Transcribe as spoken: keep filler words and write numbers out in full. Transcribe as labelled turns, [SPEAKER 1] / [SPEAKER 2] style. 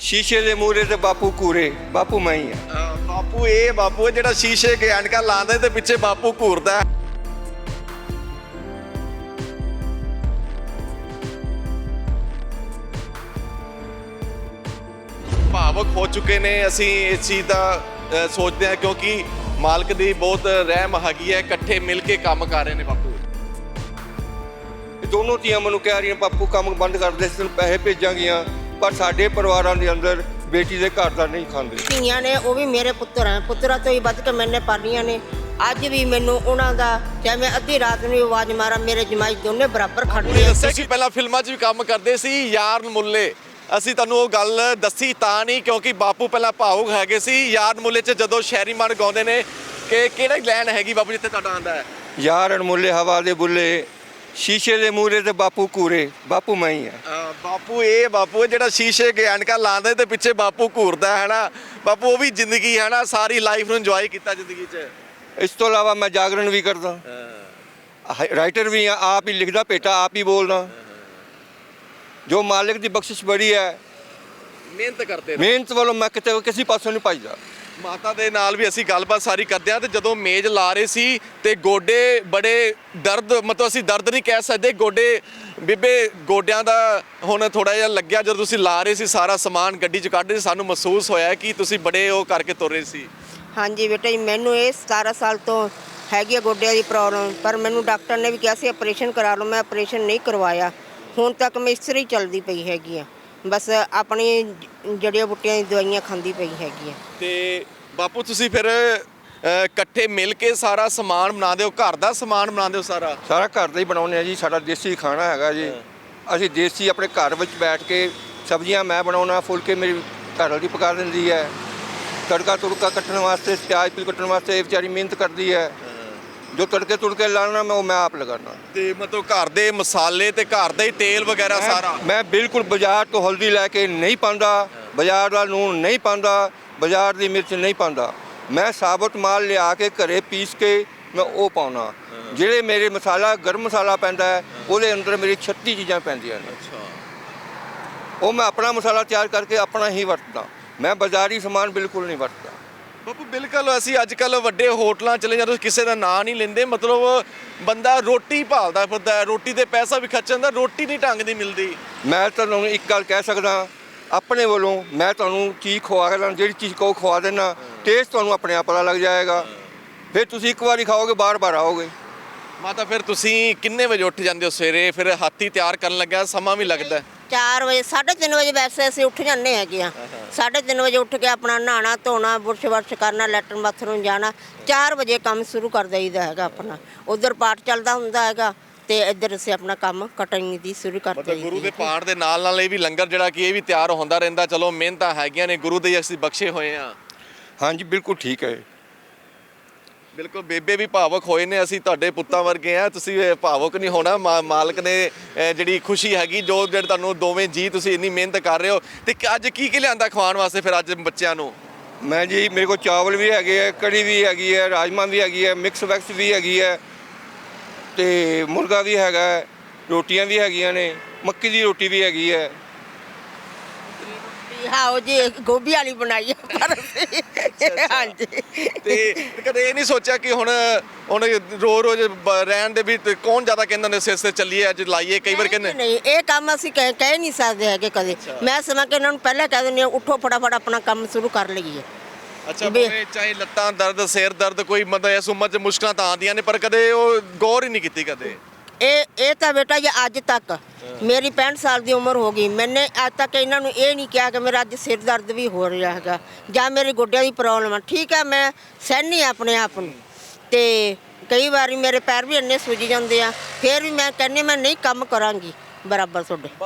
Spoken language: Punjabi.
[SPEAKER 1] ਸ਼ੀਸ਼ੇ ਦੇ ਮੂਹਰੇ ਤੇ ਬਾਪੂ ਕੂਰੇ, ਬਾਪੂ ਮੈਂ ਹੀ ਆ।
[SPEAKER 2] ਬਾਪੂ ਇਹ ਬਾਪੂ ਜਿਹੜਾ ਸ਼ੀਸ਼ੇ ਕੇ ਐਨਕਾਂ ਲਾਉਂਦਾ ਤੇ ਪਿੱਛੇ ਬਾਪੂ ਘੂਰਦਾ। ਭਾਵੁਕ ਹੋ ਚੁੱਕੇ ਨੇ ਅਸੀਂ ਇਸ ਚੀਜ਼ ਦਾ ਅ, ਸੋਚਦੇ ਹਾਂ ਕਿਉਂਕਿ ਮਾਲਕ ਦੀ ਬਹੁਤ ਰਹਿਮ ਹੈਗੀ ਹੈ। ਇਕੱਠੇ ਮਿਲ ਕੇ ਕੰਮ ਕਰ ਰਹੇ ਨੇ ਬਾਪੂ।
[SPEAKER 1] ਇਹ ਦੋਨੋਂ ਧੀਆਂ ਮੈਨੂੰ ਕਹਿ ਰਹੀਆਂ ਬਾਪੂ ਕੰਮ ਬੰਦ ਕਰ ਦੇ, ਤੈਨੂੰ ਪੈਸੇ ਭੇਜਾਂਗੀਆਂ, ਪਰ ਸਾਡੇ ਪਰਿਵਾਰਾਂ ਦੇ ਅੰਦਰ ਬੇਟੀ ਦੇ ਘਰ ਦਾ ਨਹੀਂ ਖਾਂਦੇ।
[SPEAKER 3] ਧੀਆਂ ਨੇ ਉਹ ਵੀ ਮੇਰੇ ਪੁੱਤਰ ਹੈ, ਪੁੱਤਰਾਂ ਤੋਂ ਹੀ ਵੱਧ ਕੇ ਮੈਨੇ ਪਾਲੀਆਂ ਨੇ। ਅੱਜ ਵੀ ਮੈਨੂੰ ਉਹਨਾਂ ਦਾ ਚਾਹੇ ਮੈਂ ਅੱਧੀ ਰਾਤ ਨੂੰ ਆਵਾਜ਼ ਮਾਰਾਂ, ਮੇਰੇ ਜਮਾਈ ਦੋਨੇ ਬਰਾਬਰ ਖੜਦੇ ਆ।
[SPEAKER 2] ਤੁਸੀਂ ਪਹਿਲਾਂ ਫਿਲਮਾਂ 'ਚ ਵੀ ਕੰਮ ਕਰਦੇ ਸੀ, ਯਾਰ ਮੁੱਲੇ। ਅਸੀਂ ਤੁਹਾਨੂੰ ਉਹ ਗੱਲ ਦੱਸੀ ਤਾਂ ਨਹੀਂ ਕਿਉਂਕਿ ਬਾਪੂ ਪਹਿਲਾਂ ਭਾਵੁਕ ਹੈਗੇ ਸੀ। ਯਾਰ ਮੁੱਲੇ 'ਚ ਜਦੋਂ ਸ਼ਹਿਰੀ ਮਨ ਗਾਉਂਦੇ ਨੇ ਕਿ ਕਿਹੜਾ ਲਾਈਨ ਹੈਗੀ ਬਾਪੂ ਜਿੱਥੇ ਤੁਹਾਡਾ ਆਉਂਦਾ ਹੈ?
[SPEAKER 1] ਯਾਰ ਅਣਮੁੱਲੇ ਹਵਾ ਦੇ ਬੁੱਲੇ, ਸ਼ੀਸ਼ੇ ਦੇ ਮੂਹਰੇ ਤੇ ਬਾਪੂ ਕੂਰੇ, ਬਾਪੂ ਮੈਂ ਹੀ ਆ।
[SPEAKER 2] ਬਾਪੂ ਇਹ ਬਾਪੂ ਜਿਹੜਾ ਸ਼ੀਸ਼ੇ ਕੇ ਐਨਕਾਂ ਲਾਉਂਦਾ ਤੇ ਪਿੱਛੇ ਬਾਪੂ ਘੂਰਦਾ ਹੈ ਨਾ। ਬਾਪੂ ਉਹ ਵੀ ਜ਼ਿੰਦਗੀ ਹੈ ਨਾ, ਸਾਰੀ ਲਾਈਫ ਨੂੰ ਇੰਜੋਏ ਕੀਤਾ ਜ਼ਿੰਦਗੀ 'ਚ।
[SPEAKER 1] ਇਸ ਤੋਂ ਇਲਾਵਾ ਮੈਂ ਜਾਗਰਣ ਵੀ ਕਰਦਾ, ਰਾਈਟਰ ਵੀ ਆ, ਆਪ ਹੀ ਲਿਖਦਾ ਪੇਟਾ, ਆਪ ਹੀ ਬੋਲਦਾ। ਜੋ ਮਾਲਿਕ ਦੀ ਬਖਸ਼ਿਸ਼ ਬੜੀ ਹੈ,
[SPEAKER 2] ਮਿਹਨਤ ਕਰਦੇ
[SPEAKER 1] ਮਿਹਨਤ ਵੱਲੋਂ ਮੈਂ ਕਿਤੇ ਕਿਸੇ ਪਾਸੋਂ ਨਹੀਂ ਭੱਜਦਾ।
[SPEAKER 2] ਮਾਤਾ ਦੇ ਨਾਲ ਵੀ ਅਸੀਂ ਗੱਲਬਾਤ ਸਾਰੀ ਕਰਦੇ ਹਾਂ ਤੇ ਜਦੋਂ ਮੇਜ਼ ਲਾ ਰਹੇ ਸੀ ਤੇ ਗੋਡੇ ਬੜੇ ਦਰਦ, ਮਤਲਬ ਅਸੀਂ ਦਰਦ ਨਹੀਂ ਕਹਿ ਸਕਦੇ, ਗੋਡੇ ਬੀਬੇ ਗੋਡਿਆਂ ਦਾ ਹੁਣ ਥੋੜਾ ਜਿਹਾ ਲੱਗਿਆ। ਜਦੋਂ ਤੁਸੀਂ ਲਾ ਰਹੇ ਸੀ ਸਾਰਾ ਸਮਾਨ ਗੱਡੀ 'ਚ ਕੱਢ ਰਹੇ ਸੀ, ਸਾਨੂੰ ਮਹਿਸੂਸ ਹੋਇਆ ਕਿ ਤੁਸੀਂ ਬੜੇ ਉਹ ਕਰਕੇ ਤੁਰ ਰਹੇ ਸੀ।
[SPEAKER 3] ਹਾਂਜੀ ਬੇਟਾ ਜੀ, ਮੈਨੂੰ ਇਹ ਸਤਾਰਾਂ ਸਾਲ ਤੋਂ ਹੈਗੀ ਆ ਗੋਡਿਆਂ ਦੀ ਪ੍ਰੋਬਲਮ, ਪਰ ਮੈਨੂੰ ਡਾਕਟਰ ਨੇ ਵੀ ਕਿਹਾ ਸੀ ਆਪਰੇਸ਼ਨ ਕਰਾ ਲਓ। ਮੈਂ ਆਪਰੇਸ਼ਨ ਨਹੀਂ ਕਰਵਾਇਆ। ਹੁਣ ਤੱਕ ਮੈਂ ਇਸਤਰੀ ਚੱਲਦੀ ਪਈ ਹੈਗੀ ਆ, ਬਸ ਆਪਣੀ ਜੜੀਆਂ ਬੂਟੀਆਂ ਦੀ ਦਵਾਈਆਂ ਖਾਂਦੀ ਪਈ ਹੈਗੀ ਆ।
[SPEAKER 2] ਤੇ ਬਾਪੂ ਤੁਸੀਂ ਫਿਰ ਇਕੱਠੇ ਮਿਲ ਕੇ ਸਾਰਾ ਸਮਾਨ ਬਣਾਉਂਦੇ ਹੋ, ਘਰ ਦਾ ਸਮਾਨ ਬਣਾਉਂਦੇ ਹੋ? ਸਾਰਾ
[SPEAKER 1] ਸਾਰਾ ਘਰ ਦਾ ਹੀ ਬਣਾਉਂਦੇ ਆ ਜੀ, ਸਾਡਾ ਦੇਸੀ ਖਾਣਾ ਹੈਗਾ ਜੀ। ਅਸੀਂ ਦੇਸੀ ਆਪਣੇ ਘਰ ਵਿੱਚ ਬੈਠ ਕੇ ਸਬਜ਼ੀਆਂ ਮੈਂ ਬਣਾਉਣਾ, ਫੁਲਕੇ ਮੇਰੀ ਘਰ ਵਾਲੀ ਪਕਾ ਦਿੰਦੀ ਹੈ। ਤੜਕਾ ਤੁੜਕਾ ਕੱਟਣ ਵਾਸਤੇ, ਪਿਆਜ਼ ਪਿਲ ਕੱਟਣ ਵਾਸਤੇ ਇਹ ਵਿਚਾਰੀ ਮਿਹਨਤ ਕਰਦੀ ਹੈ। ਜੋ ਤੜਕੇ ਤੁੜਕੇ ਲਾਣਾ ਮੈਂ ਉਹ ਮੈਂ ਆਪ ਲਗਾਉਣਾ।
[SPEAKER 2] ਤੇ ਮਤਲਬ ਘਰ ਦੇ ਮਸਾਲੇ ਤੇ ਘਰ ਦਾ ਹੀ ਤੇਲ ਵਗੈਰਾ ਸਾਰਾ?
[SPEAKER 1] ਮੈਂ ਬਿਲਕੁਲ ਬਾਜ਼ਾਰ ਤੋਂ ਹਲਦੀ ਲੈ ਕੇ ਨਹੀਂ ਪਾਉਂਦਾ, ਬਾਜ਼ਾਰ ਦਾ ਲੂਣ ਨਹੀਂ ਪਾਉਂਦਾ, ਬਾਜ਼ਾਰ ਦੀ ਮਿਰਚ ਨਹੀਂ ਪਾਉਂਦਾ। ਮੈਂ ਸਾਬਤ ਮਾਲ ਲਿਆ ਕੇ ਘਰੇ ਪੀਸ ਕੇ ਮੈਂ ਉਹ ਪਾਉਣਾ। ਜਿਹੜੇ ਮੇਰੇ ਮਸਾਲਾ ਗਰਮ ਮਸਾਲਾ ਪੈਂਦਾ ਹੈ ਉਹਦੇ ਅੰਦਰ ਮੇਰੀ ਛੱਤੀ ਚੀਜ਼ਾਂ ਪੈਂਦੀਆਂ ਨੇ। ਉਹ ਮੈਂ ਆਪਣਾ ਮਸਾਲਾ ਤਿਆਰ ਕਰਕੇ ਆਪਣਾ ਹੀ ਵਰਤਦਾ। ਮੈਂ ਬਾਜ਼ਾਰੀ ਸਮਾਨ ਬਿਲਕੁਲ ਨਹੀਂ ਵਰਤਦਾ।
[SPEAKER 2] ਬਾਪੂ ਬਿਲਕੁਲ ਅਸੀਂ ਅੱਜ ਕੱਲ੍ਹ ਵੱਡੇ ਹੋਟਲਾਂ ਚਲੇ ਜਾਂਦੇ, ਕਿਸੇ ਦਾ ਨਾਂ ਨਹੀਂ ਲੈਂਦੇ, ਮਤਲਬ ਬੰਦਾ ਰੋਟੀ ਭਾਲਦਾ ਫਿਰਦਾ, ਰੋਟੀ ਤੇ ਪੈਸਾ ਵੀ ਖਰਚ ਜਾਂਦਾ, ਰੋਟੀ ਨਹੀਂ ਢੰਗ ਦੀ ਮਿਲਦੀ।
[SPEAKER 1] ਮੈਂ ਤੁਹਾਨੂੰ ਇੱਕ ਗੱਲ ਕਹਿ ਸਕਦਾ, ਆਪਣੇ ਵੱਲੋਂ ਮੈਂ ਤੁਹਾਨੂੰ ਚੀਜ਼ ਖਵਾ ਕੇ ਲਾਂ, ਜਿਹੜੀ ਚੀਜ਼ ਕਹੋ ਖਵਾ ਦੇਣਾ, ਟੇਸਟ ਤੁਹਾਨੂੰ ਆਪਣੇ ਆਪ ਪਤਾ ਲੱਗ ਜਾਏਗਾ। ਫਿਰ ਤੁਸੀਂ ਇੱਕ ਵਾਰੀ ਖਾਓਗੇ ਬਾਰ ਬਾਰ ਆਓਗੇ।
[SPEAKER 2] ਮਾਤਾ ਫਿਰ ਤੁਸੀਂ ਕਿੰਨੇ ਵਜੇ ਉੱਠ ਜਾਂਦੇ ਹੋ ਸਵੇਰੇ? ਫਿਰ ਹਾਥੀ ਤਿਆਰ ਕਰਨ ਲੱਗਾ ਸਮਾਂ ਵੀ ਲੱਗਦਾ?
[SPEAKER 3] ਚਾਰ ਵਜੇ ਸਾਢੇ ਤਿੰਨ ਵਜੇ ਵੈਸੇ ਅਸੀਂ ਉੱਠ ਜਾਂਦੇ ਹੈਗੇ ਆ। ਸਾਢੇ ਤਿੰਨ ਵਜੇ ਉੱਠ ਕੇ ਆਪਣਾ ਨਹਾਉਣਾ ਧੋਣਾ, ਬੁਰਸ਼ ਵਰਸ਼ ਕਰਨਾ, ਲੈਟਰਨ ਬਾਥਰੂਮ ਜਾਣਾ। ਚਾਰ ਵਜੇ ਕੰਮ ਸ਼ੁਰੂ ਕਰ ਦਈਦਾ ਹੈਗਾ ਆਪਣਾ। ਉਧਰ ਪਾਠ ਚੱਲਦਾ ਹੁੰਦਾ ਹੈਗਾ ਤੇ ਇੱਧਰ ਅਸੀਂ ਆਪਣਾ ਕੰਮ ਕਟਿੰਗ ਦੀ ਸ਼ੁਰੂ ਕਰ ਦਈਦੀ।
[SPEAKER 2] ਗੁਰੂ ਦੇ ਪਾਠ ਦੇ ਨਾਲ ਨਾਲ ਇਹ ਵੀ ਲੰਗਰ ਜਿਹੜਾ ਕਿ ਇਹ ਵੀ ਤਿਆਰ ਹੁੰਦਾ ਰਹਿੰਦਾ। ਚਲੋ ਮਿਹਨਤਾਂ ਹੈਗੀਆਂ ਨੇ, ਗੁਰੂ ਦੇ ਅਸੀਂ ਬਖਸ਼ੇ ਹੋਏ ਆ।
[SPEAKER 1] ਹਾਂਜੀ ਬਿਲਕੁਲ ਠੀਕ ਹੈ।
[SPEAKER 2] ਬਿਲਕੁਲ ਬੇਬੇ ਵੀ ਭਾਵੁਕ ਹੋਏ ਨੇ। ਅਸੀਂ ਤੁਹਾਡੇ ਪੁੱਤਾਂ ਵਰਗੇ ਆ, ਤੁਸੀਂ ਭਾਵੁਕ ਨਹੀਂ ਹੋਣਾ। ਮਾਲਕ ਨੇ ਜਿਹੜੀ ਖੁਸ਼ੀ ਹੈਗੀ, ਜੋ ਜਿਹੜੇ ਤੁਹਾਨੂੰ ਦੋਵੇਂ ਜੀ ਤੁਸੀਂ ਇੰਨੀ ਮਿਹਨਤ ਕਰ ਰਹੇ ਹੋ। ਤੇ ਅੱਜ ਕੀ ਕੀ ਲਿਆਂਦਾ ਖਵਾਉਣ ਵਾਸਤੇ ਫਿਰ ਅੱਜ ਬੱਚਿਆਂ ਨੂੰ?
[SPEAKER 1] ਮੈਂ ਜੀ ਮੇਰੇ ਕੋਲ ਚਾਵਲ ਵੀ ਹੈਗੇ ਹੈ, ਕੜੀ ਵੀ ਹੈਗੀ ਹੈ, ਰਾਜਮਾ ਵੀ ਹੈਗੀ ਹੈ, ਮਿਕਸ ਵੈਕਸ ਵੀ ਹੈਗੀ ਹੈ, ਤੇ ਮੁਰਗਾ ਵੀ ਹੈਗਾ, ਰੋਟੀਆਂ ਵੀ ਹੈਗੀਆਂ ਨੇ, ਮੱਕੀ ਦੀ ਰੋਟੀ ਵੀ ਹੈਗੀ ਹੈ।
[SPEAKER 3] ਹਾਂ ਉਹ ਜੀ ਗੋਭੀ ਵਾਲੀ ਬਣਾਈ ਹੈ ਪਰ ਹਾਂਜੀ।
[SPEAKER 2] ਤੇ ਕਦੇ ਇਹ ਨਹੀਂ ਸੋਚਿਆ ਕਿ ਹੁਣ ਹੁਣ ਰੋ ਰੋਜ਼ ਰਹਿਣ ਦੇ ਵੀ ਕੌਣ ਜ਼ਿਆਦਾ ਕਹਿੰਦਾ ਨੇ ਸਿਰ ਸਿਰ ਚੱਲੀਏ ਅੱਜ ਲਾਈਏ? ਕਈ ਵਾਰ ਕਹਿੰਦੇ
[SPEAKER 3] ਨਹੀਂ, ਇਹ ਕੰਮ ਅਸੀਂ ਕਹਿ ਕਹਿ ਨਹੀਂ ਸਕਦੇ ਹੈਗੇ ਕਦੇ। ਮੈਂ ਸਮਾਂ ਕਿ ਇਹਨਾਂ ਨੂੰ ਪਹਿਲਾਂ ਕਹਿ ਦਿੰਦੀ ਹਾਂ ਉੱਠੋ ਫਟਾਫਟ ਆਪਣਾ ਕੰਮ ਸ਼ੁਰੂ ਕਰ ਲਈਏ।
[SPEAKER 2] ਅੱਛਾ ਭਾਵੇਂ ਚਾਹੇ ਲੱਤਾਂ ਦਰਦ, ਸਿਰ ਦਰਦ, ਕੋਈ ਮਤਲਬ ਇਸ ਉਮਰ 'ਚ ਮੁਸ਼ਕਲਾਂ ਤਾਂ ਆਉਂਦੀਆਂ ਨੇ, ਪਰ ਕਦੇ ਉਹ ਗੌਰ ਹੀ ਨਹੀਂ ਕੀਤੀ ਕਦੇ?
[SPEAKER 3] ਇਹ ਇਹ ਤਾਂ ਬੇਟਾ ਜੀ ਅੱਜ ਤੱਕ ਮੇਰੀ ਪੈਂਹਠ ਸਾਲ ਦੀ ਉਮਰ ਹੋ ਗਈ, ਮੈਨੇ ਅੱਜ ਤੱਕ ਇਹਨਾਂ ਨੂੰ ਇਹ ਨਹੀਂ ਕਿਹਾ ਕਿ ਮੇਰਾ ਅੱਜ ਸਿਰ ਦਰਦ ਵੀ ਹੋ ਰਿਹਾ ਹੈਗਾ ਜਾਂ ਮੇਰੇ ਗੋਡਿਆਂ ਦੀ ਪ੍ਰੋਬਲਮ ਆ। ਠੀਕ ਹੈ, ਮੈਂ ਸਹਿਨੀ ਆਪਣੇ ਆਪ ਨੂੰ, ਤੇ ਕਈ ਵਾਰੀ ਮੇਰੇ ਪੈਰ ਵੀ ਇੰਨੇ ਸੁੱਜ ਜਾਂਦੇ ਆ, ਫਿਰ ਵੀ ਮੈਂ ਕਹਿੰਦੀ ਮੈਂ ਨਹੀਂ ਕੰਮ ਕਰਾਂਗੀ ਬਰਾਬਰ ਤੁਹਾਡੇ।